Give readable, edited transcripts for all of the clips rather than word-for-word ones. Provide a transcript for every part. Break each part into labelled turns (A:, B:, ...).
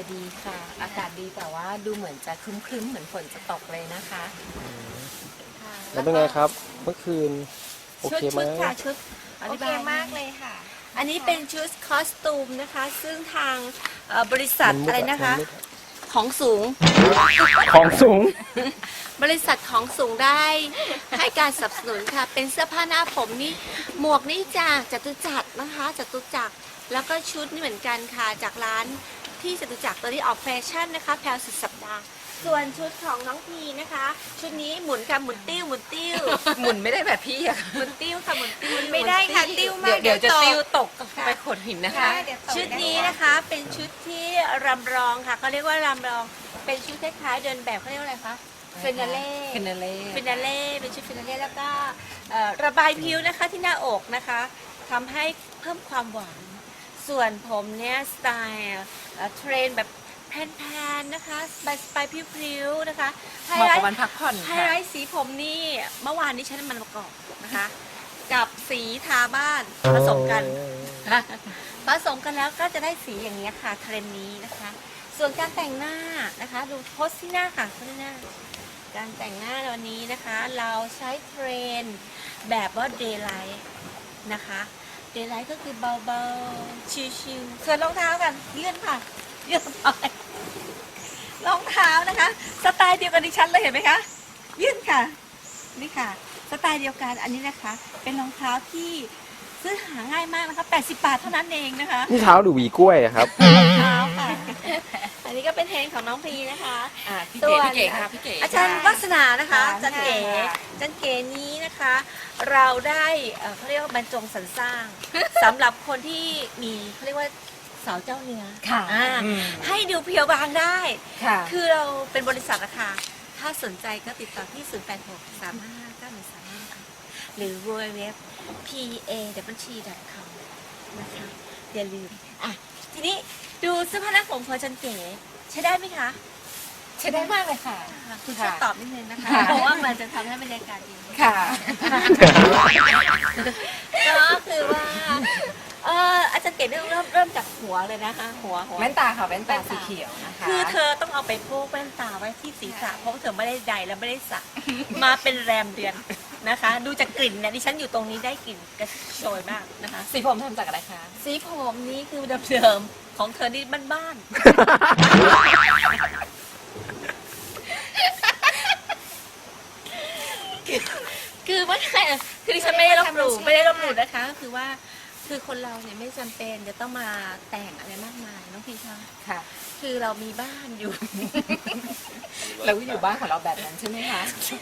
A: อยดีค่ะ อากาศดีแต่ว่าดูเหมือนจะครึ้มๆเหมือนฝนจะตกเลยนะคะค่ะ
B: แล้วเป็นไงครับเมื่อคืนโอ
A: ชุด
B: เคไหม
A: ค่ะชุด
C: โอเคมากเลยค่ะ
A: อันนี้เป็นชุดคอสตูมนะคะ ซึ่งทางบริษัท
B: มันมุด
A: อะไรนะคะ
B: มันมุด
A: ของสูง
B: ของสูง
A: บริษัทของสูงได้ให้การสนับสนุนค่ะ เป็นเสื้อผ้าหน้าผมนี่หมวกนี่จากจตุจักรนะคะจตุจักรแล้วก็ชุดนี่เหมือนกันค่ะจากร้านที่จตุจักรตัวนี้ออกแฟชั่นนะคะแพลวสุดสัปดาห์ส่วนชุดของน้องพีนะคะ ชุดนี้หมุนค่ะหมุนติ้วหมุนติ้ว
C: หมุนไม่ได้แบบพี่อะ
A: หมุนติ้วค่ะหมุนติ้ว
C: ไม่ได้ค่ะติ้วมาก
A: เดี๋ยวจะ
C: ตก
A: ติ้วตกไปขดหินนะคะ
C: เดี๋ยวตก
A: ชุดนี้นะคะเป็นชุดที่รำรองค่ะเขาเรียกว่ารำรองเป็นชุดคล้ายๆเดินแบบเขาเรียกว่าอะไรคะเฟนาเล่
C: ฟินาเล่
A: ฟินาเล่เป็นชุดฟินาเล่แล้วก็ระบายผิวนะคะที่หน้าอกนะคะทำให้เพิ่มความหวาน ส่วนผมเนี่ยสไตล์เทรนแบบแพนๆนะคะสไปพริ้วๆนะคะไฮ
C: เหมาะ
A: ไล
C: กับ
A: ท์
C: วันพักผ่อน
A: ไฮ
C: ค่ะ
A: ไลท์สีผมนี่เมื่อวานนี้ใช้น้ำมันมะกอกนะคะ กับสีทาบ้านผสมกัน ผสมกันแล้วก็จะได้สีอย่างนี้ยค่ะเทรนด์นี้นะคะ ส่วนการแต่งหน้านะคะ ดูโพสที่หน้าค่ะโพสที่หน้า การแต่งหน้าในวันนี้นะคะ เราใช้เทรนด์แบบว่า daylight นะคะ daylight ก็คือเบาๆ ชิลๆส่วนรองเท้ากันเลื่อนค่ะเลื่อนไปรองเท้านะคะ สไตล์เดียวกันดิฉันเลยเห็นไหมคะยื่นค่ะ นี่ค่ะ สไตล์เดียวกันอันนี้นะคะ เป็นรองเท้าที่ซื้อหาง่ายมากนะคะ80 บาทเท่านั้นเองนะคะ
B: นี่เท้าหรือหวีกล้วยอะครับ
A: รองเท้าค่ะ อันนี้ก็เป็นเทรนด์ของน้องพีนะคะ
C: พี่
A: ส่
C: เก๋
A: วน
C: พี่เก๋ค่ะพี่เก๋
A: อาจารย์วัฒนานะคะ
C: ค่ะ
A: อาจารย์เก๋
C: ค่ะ
A: อาจารย์เก๋นี้นะคะ เราได้เขาเรียกว่าบรรจงสรรสร้าง สำหรับคนที่มีเขาเรียกว่าสาวเจ้าเนื้อ
C: ค่ะ
A: อ่า
C: อืม
A: ให้ดูเพียวบางได้
C: ค่ะ
A: คือเราเป็นบริษัทนะคะ ถ้าสนใจก็ติดต่อที่ 086 355 9135 ค่ะหรือ www.pa.com นะคะ อย่าลืม อ่ะ ทีนี้ดูเสื้อผ้าหน้าผมของอาจันเก๋ใช้ได้ไหมคะ
C: ใช้ได้มากเลยค่ะ
A: คุณช่วยตอบนิดนึงนะคะ
C: ค่ะ
A: เพราะว่ามันจะทำให้บรรยากาศดี
C: ค่ะ
A: ก็คือว่าอาจารย์เก๋เริ่มจากหัวเลยนะคะ หัว
C: แว่นตาค่ะแว่นตาสีเขียวนะคะ
A: คือเธอต้องเอาไปโพกแว่นตาไว้ที่ศีรษะเพราะว่าเธอไม่ได้ใดและไม่ได้สระมาเป็นแรมเดือนนะคะ ดูจากกลิ่นเนี่ยดิฉันอยู่ตรงนี้ได้กลิ่นกระโชยมากนะคะ
C: สีผมทำจากอะไรคะ
A: สีผมนี้คือเดิมๆของเธอนี่บ้านๆคือว่าคือดิฉันไม่ได้ลบหลู่นะคะก็คือว่าคือคนเราเนี่ยไม่จำเป็นจะต้องมาแต่งอะไรมากมายน้องพี่คะ
C: ค่ะ
A: คือเรามีบ้านอยู่
C: เราก็อยู่บ้านของเราแบบนั้นใช่ไหมคะ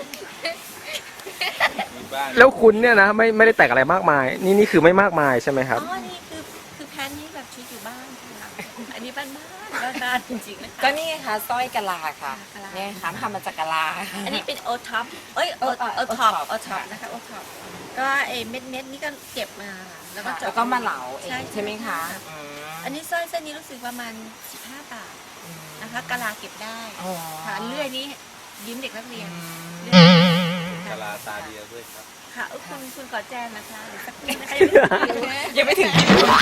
B: แล้วคุณเนี่ยนะไม่ได้แต่งอะไรมากมาย นี่คือไม่มากมายใช่ไหมครับ
A: อ๋อ นี่คือแพนนี่แบบชุดอยู่บ้านค่ะ อันนี้บ้านจริงๆนะคะ
C: ก็นี่ไงคะสร้อยกะลาค่ะ
A: กะลา
C: เนี่ยค่ะทำมาจากกะลา
A: อันนี้เป็นโอท็อปเอ้ยโอท็อปนะคะโอท็อปก็ไอ้เม็ดนี่ก็เก็บมาแล้วก็
C: ค่ะ
A: เจาะ
C: แล้วก็มาเหลาเอง
A: ใช่
C: ใช่ไหมคะ
A: อันนี้สร้อยเส้นนี้รู้สึกประมาณ15 บาทนะคะกะลาเก็บได้
C: อ๋อ
A: ค่ะเลื่อยนี้ยืมเด็กนักเรียน
D: กะลาตาเดียวด้วยครับ
A: ค่ะคุณขอแจมนะคะเดี๋ยวสักครู่นะคะ
C: ยังไม่ถึง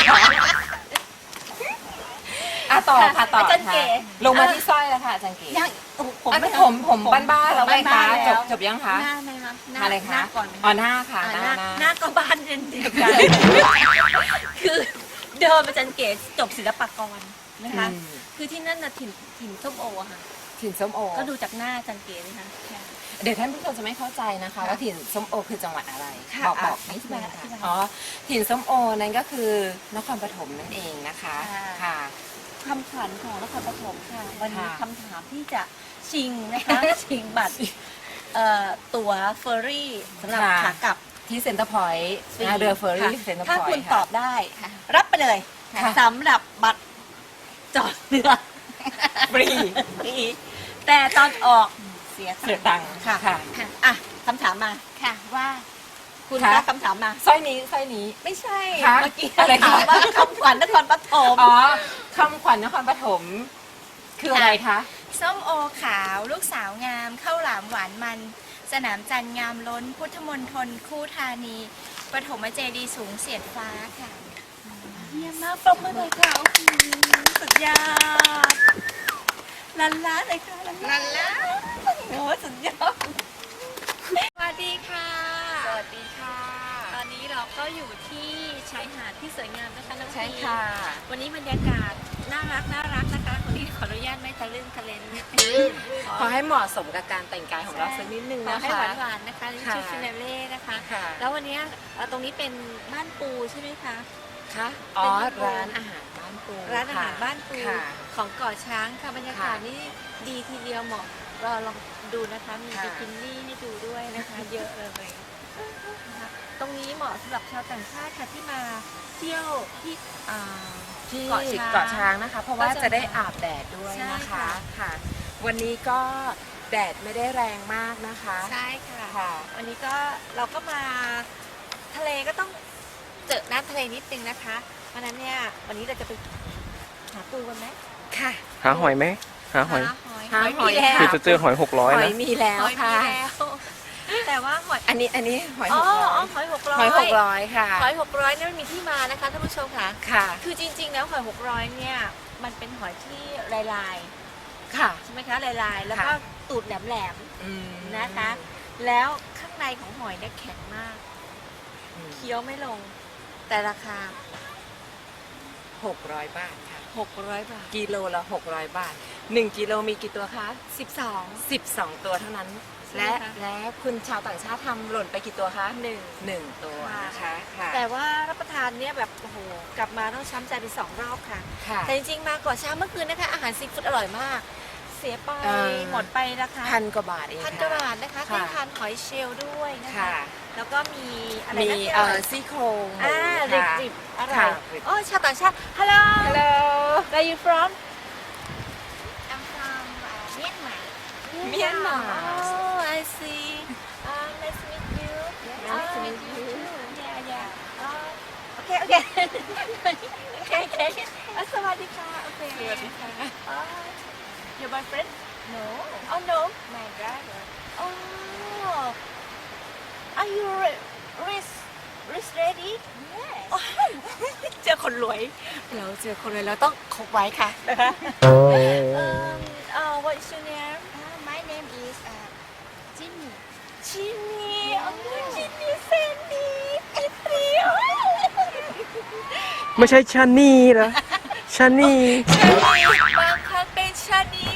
C: อ่ะต่อค่ะต่อ
A: อาจารย์
C: ค่ะ
A: เก๋
C: ลงมาที่สร้อยแล้วค่ะอาจารย์เก๋
A: ยังโอ้โห
C: อันนี้ผมบ้านๆแล้วไหมคะจบยังคะ
A: หน้าไหมคะ
C: อะไรคะ
A: หน้าก่อนไหม
C: อ๋อหน้าค่ะ
A: อ่า
C: หน้า
A: หน้าก็บ้านเดียวกัน คือเดิมอาจารย์เก๋จบศิลปากรนะคะ คือที่นั่นน่ะถิ่นส้มโออะค่ะ
C: ถิ่นส้มโอ
A: ก็ดูจากหน้าอาจารย์เก๋นะคะ
C: เดี๋ยวท่านผู้ชมจะไม่เข้าใจนะคะ ว่าถิ่นส้มโอคือจังหวัดอะไร
A: ค่ะ
C: บอก
A: อ
C: นิด
A: ธิ
C: นึ
A: บาย
C: ง
A: อธิบาย
C: ค่ะอ๋อถิ่นส้มโอนั่นก็คือนครปฐมนั่นเองนะคะ
A: ค่ะ
C: ค่ะ
A: คำขวัญของนครปฐมค่ะ วันนี้
C: ค่ะ
A: คำถามที่จะชิงนะคะ ชิงบัตรตั๋วเฟอร์รี่สำหรับขากลับ
C: ที่เซ็นเตอร์พอยต์
A: ฟรี
C: เรือเฟอร์รี่
A: ค่ะ
C: เซ็นเตอร์พ
A: ถ้า
C: อยต์
A: คุณ
C: ค่ะ
A: ตอบได้ รับไปเลย
C: ค่ะ
A: สำหรับบัตรจอดเรือ
C: ฟรี
A: ฟรีแต่ตอนออกเสีย
C: เสียตังค์
A: ค่ะ
C: ค่ะ
A: อ่ะคำถามมา
C: ค่ะว่า
A: คุณ
C: ค่ะ
A: คะคำถามมา
C: สร้อยนี้
A: ไม่ใช่
C: ค่ะ
A: เมื่อกี้
C: อะไรคะ
A: ถามว่าคำขวัญนครปฐม
C: อ๋อคำขวัญนครปฐมคืออะไรคะ
E: ส้มโอขาวลูกสาวงามข้าวหลามหวานมัน สนามจันทร์งามล้น พุทธมณฑลคู่ธานีปฐมเจดีย์สูงเสียดฟ้าค่ะ
A: เยี่ยมมากปรบมือเลยค่ะโอ้โหสุดยอดลันล้าเลยค่ะลันล้าโอ้สุดยอดสวัสดีค่ะ
C: สวัสดีค่ะ
A: ตอนนี้เราก็อยู่ที่ชายหาดที่สวยงามนะคะน้อง
C: ใช่
A: พี
C: ค่ะ
A: วันนี้บรรยากาศน่ารักนะคะคนนี้ขออนุญาตไม่ทะลึ่งทะเลน
C: ขอให้เหมาะสมกับการแต่งกายของเราสักนิดนึง
A: ขอ
C: นะ
A: ให้
C: คะ
A: หวานๆนะคะนี่
C: ค่ะ
A: ชุดฟินาเล่นะคะ
C: ค่ะ
A: แล้ววันนี้ตรงนี้เป็นบ้านปูใช่ไหมคะ
C: ค่ะอ๋อ
A: เป็นบ้านปู
C: ร้านอาหารบ้านปู
A: ร้านอาหาร
C: ค่ะ
A: บ้านปู
C: ค่ะ
A: ของเกาะช้างค่ะบรรยากาศ
C: ค่ะ
A: นี่ดีทีเดียวเหมาะเราลองดูนะคะมี
C: ค่ะ
A: บิกินี่ให้ดูด้วยนะคะ เยอะเลยนะคะตรงนี้เหมาะสำหรับชาวต่างชาติค่ะที่มาเที่ยวที่
C: ที่
A: เกาะช้าง
C: เกาะช้างนะคะ เพราะว่า
A: ก็จะ
C: จะได้อาบแดดด้วย
A: ใช่
C: นะคะ
A: ค่ะ
C: ค่ะ วันนี้ก็แดดไม่ได้แรงมากนะคะ
A: ใช่ค่ะ
C: ค่ะ
A: วันนี้ก็เราก็มาทะเลก็ต้องเจอน้ำทะเลนิดนึงนะคะเพราะฉะนั้นเนี่ยวันนี้เราจะไปหาปูกันไหม
C: ค่ะ
B: หาหอยไหมหาหอย
C: หาหอย
A: มีแล้ว
B: คือจะเจอหอย
C: ห
B: 600
C: อย
B: นะ
C: มีแล้ว
A: หอยมี
C: ค่ะ
A: แล้วแต่ว่าหอย
C: อันนี้หอย
A: อ๋
C: ห
A: อก
C: ร้อย
A: หอย600
C: หอย600ค่ะ
A: หอย600เนี่ยมันมีที่มานะคะท่านผู้ชมค่ะ
C: ค่ะ
A: คือจริงๆแล้วหอย600เนี่ยมันเป็นหอยที่ลาย
C: ค่ะ
A: ๆใช่ไหมคะลายๆแล้วก็
C: ค่ะ
A: ตูดแหลม
C: อืม
A: ๆนะคะ แล้วข้างในของหอยเนี่ยแข็งมาก
C: อืม
A: เคี้ยวไม่ลงแต่ราคา
C: 600 บาทค่ะ
A: 600 บาท
C: กิโลละ600 บาท 1 กิโลมีกี่ตัวคะ
A: 12
C: 12 ตัวเท่านั้น
A: ใช่
C: และ
A: ไหมคะ
C: และคุณชาวต่างชาติทำหล่นไปกี่ตัวคะ
A: หนึ่ง
C: 1 ตัวนะคะค่ะ
A: แต่ว่ารับประทานเนี่ยแบบโอ้โหกลับมาต้องช้ำใจไป2 รอบค่ะ
C: ค่ะ
A: แต่จริงๆมาก่อนเช้าเมื่อคืนนะคะ อาหารซีฟู้ดอร่อยมาก เสียไป หมดไปนะคะ
C: พันกว่าบาทเอง
A: พันกว่าบาทนะคะ
C: ค่ะ
A: ได้ทานหอยเชลล์ด้วยนะคะ
C: ค่ะ
A: แล้วก็มีอะไร
C: มี
A: นะที่อร่อย
C: ซี่โครงหมู
A: ริบ
C: ค่ะ
A: ริบอร่อ
C: ค่ะ
A: ยโอ้ชาวต่างชาติ Hello
C: Hello
A: Where you from
E: I'm from Myanmar
C: Myanmar
A: Oh I see Nice to meet you
C: Nice to meet you
A: Yeah yeah Okay okay Okay okay สวัสดีค่ะโอเค
C: สวัสดีค่ะ
A: Your boyfriend
E: No
A: Oh no
E: my driver
A: Oh Are you rich ready
E: Yes
A: เจอคนรวยเราเจอคนรวยเราต้องคบไว้ค่ะ What is your name
E: my name is Jimmy
A: ชินี่ชินี่เซนนี่พี่เตียว
B: ไม่ใช่ชานี่เหรอชานี่
A: บางครั้งเป็นชานี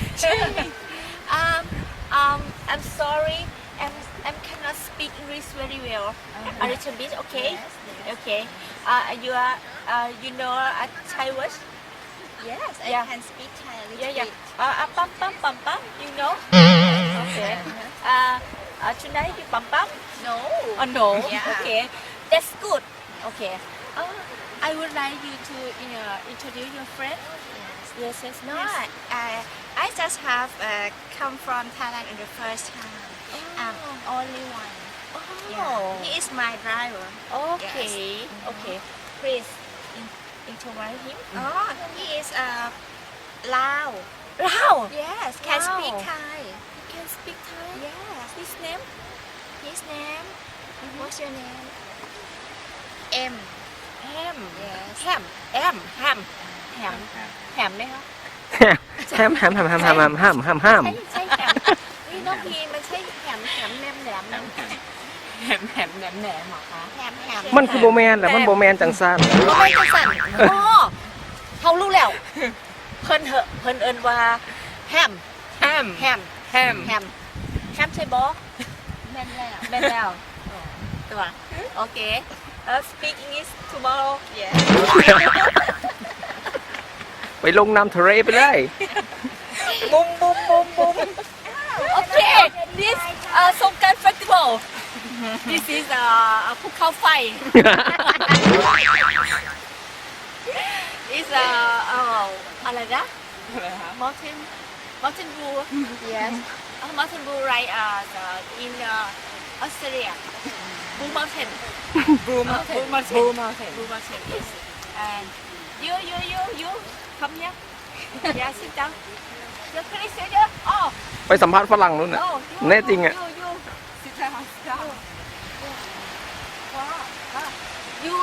A: I'm sorry I'm cannot speak English very well a little bit okay okay you know Thai words
E: Yes I
A: Yeah.
E: can speak Thai a little
A: yeah yeah
E: bit
A: pam pam you know okay tonight you pam pam
E: No
A: oh no
E: Yeah.
A: okay that's good okay I would like you to introduce your friend yes yes
E: No
A: yes.
E: I just have come from Thailand in the first time only one Yeah
A: Oh.
E: he is my driver
A: Okay. Okay. Please introduce him.
E: Oh he is Lao
A: Lao.
E: Yes can
A: Wow.
E: speak Thai
A: He can speak Thai.
E: Yes
A: His name?
E: his name what's your name M
A: Ham.
E: Yes
A: Ham. Ham. Ham. Ham. Ham ไหมคะ
B: แฮมแฮมแฮมแฮมแฮมแฮมแฮมแฮมแฮม
A: ใช่แฮมนี่น้องพีมันใช่แฮมแฮมแหนมแหนมแหนม
C: แหมแหนมเหรอคะ
E: แฮมแฮม
B: มันคือโบแมนแหละมันโบแมนจังซัน
A: ก็ไม่จะสั่นอ๋อเขารู้แล้ว เพิ่นเหอะเพิ่นเอินว่าแฮม
C: แฮม
A: แฮม
C: แฮม
A: แฮมแฮมใช่บอ
E: แม่นแล้ว
A: เป็นแล้วตัวโอเคspeak English tomorrow
E: Yeah
B: ไปลงน้ำทะเลไปเลย
A: บุมบุมบุมบุมโอเค this สงกรานต์ festival this is ภูเขาไฟ is อะไรนะ mountain blue
E: Yes
A: mountain blue right in Australia blue mountain
C: Blue Mountain
A: Blue Mountain.
C: Blue Mountain
A: blue mountain yes and you come here yeah sit down you please sit down oh
B: ไปสัมภาษณ์ฝรั่งนู่นน่ะ
A: no
B: แน่จริงอ่ะ
A: you sit down sit down wow you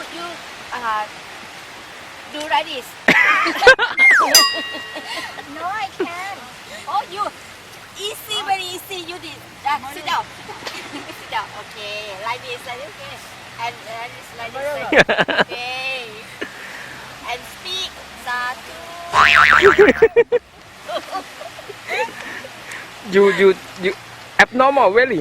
A: do like this
E: No I can't
A: this. Sit down. Sit down. Okay. Like this. Like this. Okay. And it's like this. Like this. Okay. And speak. Satu.
B: you abnormal really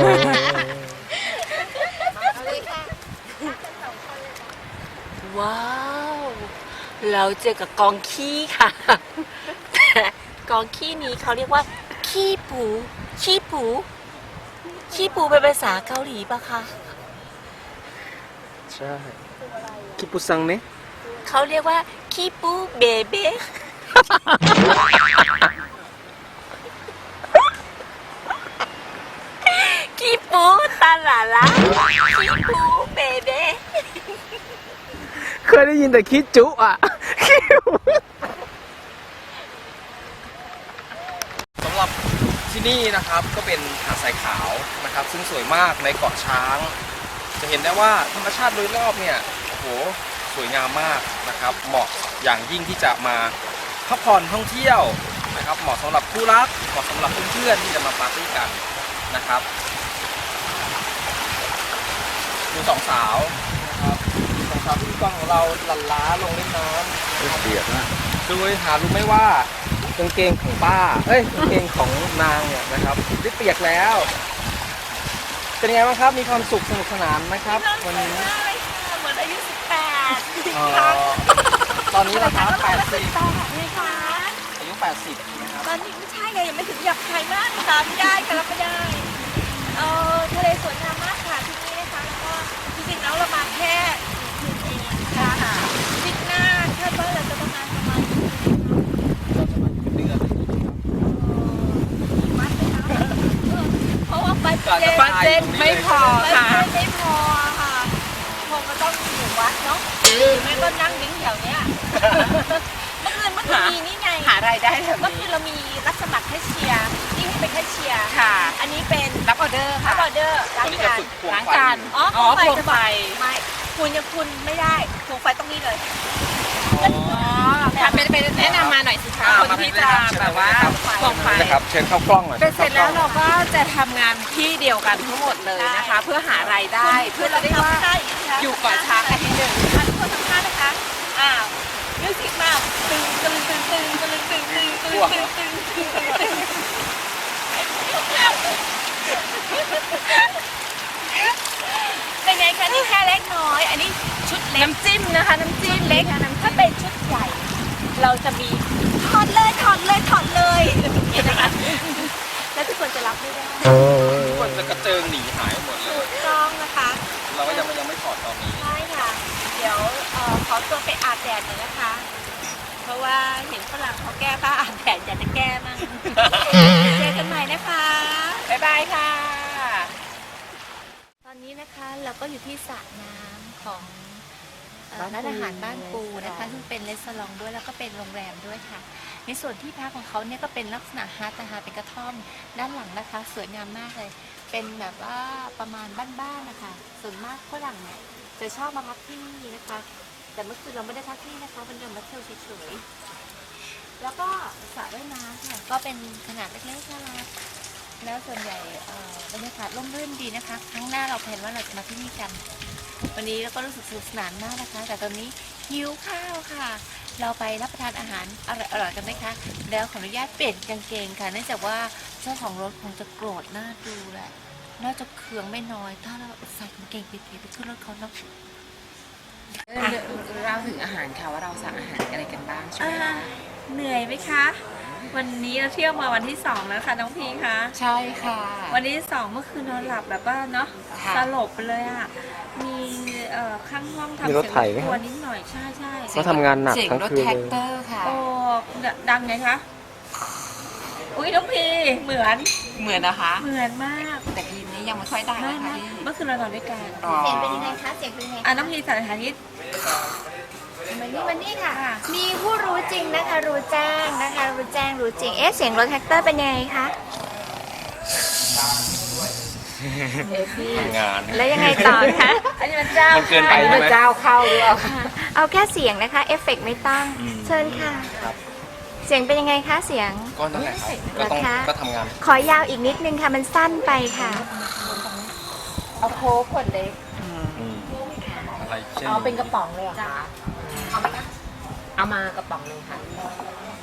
A: ว้าว เราเจอกับกองขี้ค่ะ แต่กองขี้นี้เขาเรียกว่าขี้ปูขี้ปูขี้ปูเป็นภาษาเกาหลีปะคะ
B: ใช่คิปุซังเนี่ย
A: เขาเรียกว่าขี้ปูเบเบ้ขี้ปูตาหลาละขี้ปูเบเบ้
B: เคยได้ยินแต่คิดจุอ่ะ สำหรับที่นี่นะครับก็เป็นหาดทรายขาวนะครับ ซึ่งสวยมากในเกาะช้าง จะเห็นได้ว่าธรรมชาติโดยรอบเนี่ยโอ้โหสวยงามมากนะครับ เหมาะอย่างยิ่งที่จะมาพักผ่อนท่องเที่ยวนะครับ เหมาะสำหรับคู่รักเหมาะสำหรับเพื่อนๆที่จะมาปาร์ตี้กันนะครับดูสองสาวนะครับสองสาวที่กล้องของเราหลั่นล้าลงเล่นน้ำ
D: เปียกนะ
B: โดยหารู้ไหมว่ากางเกงของป้า เอ้ยกางเกงของนางเนี่ยนะครับได้เปียกแล้ว เป็นไงบ้างครับ มีความสุขสนุกสนานไหมครับวันนี้
A: เหมือนอายุ18
B: ตอนนี้นะครับ80
A: นี่ค่ะ
B: อายุ80นะครับ
A: ตอนนี้ไม่ใช่ไงยังไม่ถึงหยับไทยมากค่ะไม่ได้ค่ะรับไม่ได้ทะเลสวยงามมากค่ะที่นี่นะคะแล้วก็จริงๆแล้วเรามาแค่คืนเองค่ะทริปหน้าคาดว่าเราจะประมาณ
B: เดือน
A: มัดเลยนะเพราะว่าไป
B: บัดเจ็ตไม่พอ
A: ค่ะไม่พอค่ะคงก็ต้องอยู่วัดเนาะไม่ก็นั่งดิ้งแถวเนี้ยเมื่อคืนมีนี่ไง
C: หารายได้แบบ
A: เมื่อคื
C: นี้
A: นเรามีรับสมัครแคชเชียร์ที่ให้เป็นแคชเชียร์
C: ค่ะ
A: อันนี้เป็น
C: รับออเดอร์
A: รั
C: ค่ะ
A: บออเดอร์
B: ตอนนี้จะฝึกควง
C: ล้าง
B: ไฟ
C: จาน
A: อ๋อ
C: อ๋อ
A: คว
C: ควงไฟ
A: ไม่คุณยังคุณไม่ได้ควงไฟต้องนี่เลย
C: อ๋อค่ะเป็นแนะนำมาหน่อยสิคะคนที่จะแบบว่าควงไฟ
B: นะครับเชิญเข้ากล้องหน่อย
C: เป็นเสร็จแล้วเราก็จะทำงานที่เดียวกันทั้งหมดเลยนะคะ เพื่อหารายได้เพื่อเราได้ว่าอยู่เกาะช้างอาทิตย์หนึ่ง
A: ท่านผู้สัมภาษณ์นะคะมิวสิกมาตึงตึงตึงตึงตึงตึงตึงตึงตึงตึงตึงตึงเป็นไงคะนี่แค่เล็กน้อย อันนี้ชุดเล็ก
C: น้ำจิ้มนะคะน้ำจิ้ม
A: เล็กถ้าเป็นชุดใหญ่ เราจะมีถอดเลยถอดเลยถอดเลยอย่างนี้นะคะแล้วทุกคนจะรับไม่ได้
B: ทุกคนจะกระเจิงหนีหายหมดเล
A: ถู
B: ย
A: กต้องนะคะ
B: เราก็ยังไม่ถอดตอนนี้
A: ใช่ค่ะ เดี๋ยวขอตัวไปอาบแดดหน่อยนะคะ เพราะว่าเห็นฝรั่งเขาแก้ผ้าอาบแดดอยากจะแก้มั่งเจอกันใหม่นะคะ
C: บ๊ายบายค่ะ
A: ตอนนี้นะคะเราก็อยู่ที่สระน้ำของร้านอาหารบ้านปูนะคะซึ่งเป็นรีสอร์ทด้วยแล้วก็เป็นโรงแรมด้วยค่ะ ในส่วนที่พักของเขาเนี่ยก็เป็นลักษณะฮัทนะคะเป็นกระท่อมด้านหลังนะคะ สวยงามมากเลย เป็นแบบว่าประมาณบ้านๆนะคะ ส่วนมากฝรั่งเนี่ยจะชอบมาพักที่นี่นะคะ แต่เมื่อคืนเราไม่ได้พักที่นี่นะคะเป็นเดินมาเที่ยวเฉยๆแล้วก็สระว่ายน้ำค่ะก็เป็นขนาดเล็กๆน่ารักแล้วส่วนใหญ่บรรยากาศร่มรื่นดีนะคะครั้งหน้าเราแพลนว่าเราจะมาที่นี่กัน วันนี้เราก็รู้สึกสนุกสนานมากนะคะ แต่ตอนนี้หิวข้าวค่ะ เราไปรับประทานอาหารอร่อยๆกันไหมคะแล้วขออนุญาตเปลี่ยนกางเกงค่ะเนื่องจากว่าเจ้าของรถคงจะโกรธหน้าดูแหละน่าจะเคืองไม่น้อย ถ้าเราใส่กางเกงเก๋ๆไปขึ้นรถเขาเนาะ
C: เราถึงอาหารค่ะว่าเราสั่งอาหารอะไรกันบ้างใช่ไหมคะ
A: เหนื่อยไหมคะ วันนี้เราเที่ยวมาวันที่2แล้วค่ะน้องพีคะ
C: ใช่ค่ะ
A: วันที่2เมื่อคืนนอนหลับแบบว่าเนาะ
C: ค่ะ
A: สลบไปเลยอ่ะมีข้างห้องทำ
B: มีรถไถไหม
A: ตัวนิดหน่อยใช่ใช่
B: เขาทำงานหนัก
C: เสียง
B: ทั้ง
C: รถ
B: คืน
C: แท็ก
B: เลย
C: เตอร์ค่ะ
A: โอ้ดังไงคะอุ้ยน้องพีเหมือน
C: เหมือนนะคะ
A: เหมือนมาก
C: แต่ทีนี้ยังไม่ค่อยได้
A: ไม่
C: นะคะ
A: ไม่
C: พี่
A: เมื่อคืนเรานอนด้วยกัน
C: อ๋อ
E: เสียงเป็นยังไงคะ เสียงเป็นยังไง
A: น้องพีสารฐานิต
E: วันนี้ค่ะ มีผู้รู้จริงนะคะ รู้แจ้งนะคะ รู้แจ้งรู้จริง เสียงรถแท็กเตอร์เป็นยังไงคะ
B: งาน
E: แล้วยังไงต่อคะ
A: อันนี้มันเจ้า
B: มันเกินไป
C: อันนี้
B: ใช่
C: มัน
B: ไหม
C: เจ้าเข้าหรือเปล่า
E: เอาแค่เสียงนะคะ เอฟเฟกต์ไม่ต้อง เชิญค่ะ
B: ครับ
E: เสียงเป็นยังไงคะเสียง
B: ก็นั่นแหละครับก็ต้อง
E: เหรอคะ
B: ก็ทำงาน
E: ขอยาวอีกนิดนึงค่ะมันสั้นไปค่ะ
C: เอาโค้กขวดเล็ก
B: อะไรเช่น
C: เอาเป็นกระป๋องเลยเหรอคะเอาไหมคะเอามากระป๋องหนึงค่ะ